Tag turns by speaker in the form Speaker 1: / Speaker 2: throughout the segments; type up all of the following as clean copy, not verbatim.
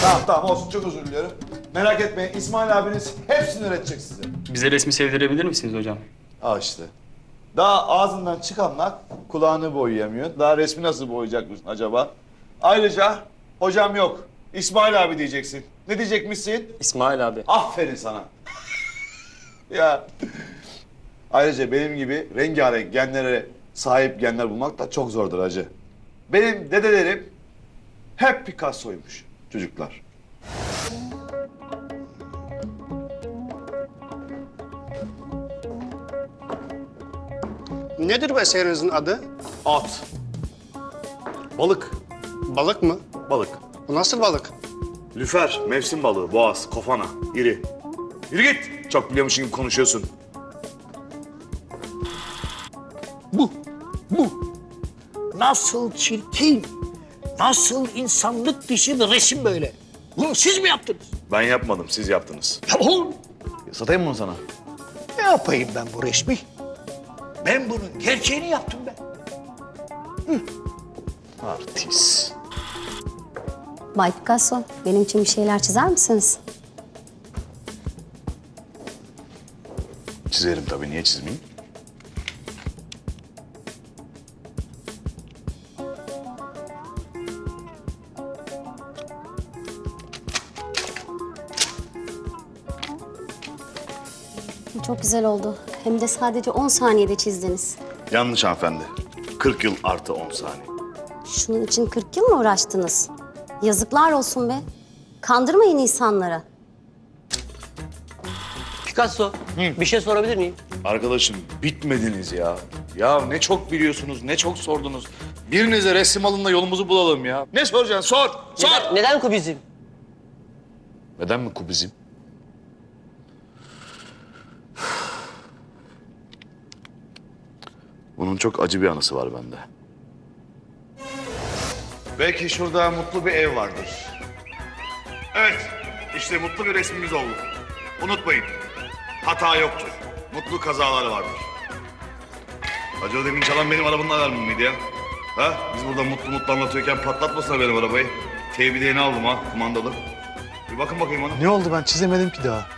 Speaker 1: Tamam olsun, çok özür diliyorum. Merak etmeyin, İsmail abiniz hepsini öğretecek size.
Speaker 2: Bize resmi sevdirebilir misiniz hocam?
Speaker 1: Al işte. Daha ağzından çıkanlar kulağını boyayamıyor. Daha resmi nasıl boyayacakmışsın acaba? Ayrıca hocam yok, İsmail abi diyeceksin. Ne diyecekmişsin?
Speaker 2: İsmail abi.
Speaker 1: Aferin sana. Ya. Ayrıca benim gibi rengarenk genlere sahip genler bulmak da çok zordur hacı. Benim dedelerim hep Picasso'ymuş çocuklar.
Speaker 3: Nedir bu eserinizin adı?
Speaker 1: At. Balık.
Speaker 3: Balık mı?
Speaker 1: Balık.
Speaker 3: Bu nasıl balık?
Speaker 1: Lüfer, mevsim balığı, boğaz, kofana, iri. Yürü git. Çok biliyormuşsun gibi konuşuyorsun.
Speaker 4: Bu. Nasıl çirkin, nasıl insanlık dışı bir resim böyle. Bunu siz mi yaptınız?
Speaker 1: Ben yapmadım, siz yaptınız.
Speaker 4: Ya oğlum,
Speaker 1: Satayım mı bunu sana?
Speaker 4: ne yapayım ben bu resmi? Ben bunun gerçeğini yaptım ben.
Speaker 1: Artist.
Speaker 5: Bay Picasso, benim için bir şeyler çizer misiniz?
Speaker 1: Çizerim tabii, niye çizmeyeyim?
Speaker 5: Çok güzel oldu. Hem de sadece 10 saniyede çizdiniz.
Speaker 1: Yanlış hanımefendi. 40 yıl artı 10 saniye.
Speaker 5: Şunun için 40 yıl mı uğraştınız? Yazıklar olsun be. Kandırmayın insanları.
Speaker 6: Picasso, bir şey sorabilir miyim?
Speaker 1: Arkadaşım bitmediniz ya. Ya ne çok biliyorsunuz, ne çok sordunuz. Birinize resim alın da yolumuzu bulalım ya. Ne soracaksın? Sor, sor.
Speaker 6: Neden kubizm?
Speaker 1: Neden mi kubizm? Bunun çok acı bir anısı var bende. Belki şurada mutlu bir ev vardır. Evet, işte mutlu bir resmimiz oldu. Unutmayın, hata yoktur. Mutlu kazaları vardır. Hacı o demin çalan benim arabanın alarmı mıydı ya? Ha? Biz burada mutlu anlatıyorken patlatmasana benim arabayı. TBD'ni aldım ha, kumandalı. Bir bakın bakayım ona.
Speaker 7: Ne oldu, ben çizemedim ki daha.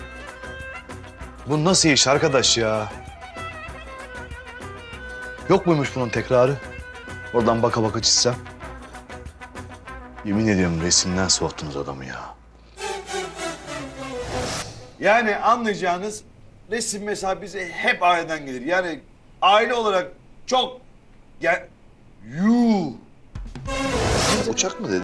Speaker 7: Bu nasıl iş arkadaş ya? Yok muymuş bunun tekrarı? Oradan baka baka çizsem. Yemin ediyorum resimden soğuttunuz adamı ya.
Speaker 1: Yani anlayacağınız resim mesela bize hep aileden gelir. Yani aile olarak çok... Uçak mı dedi?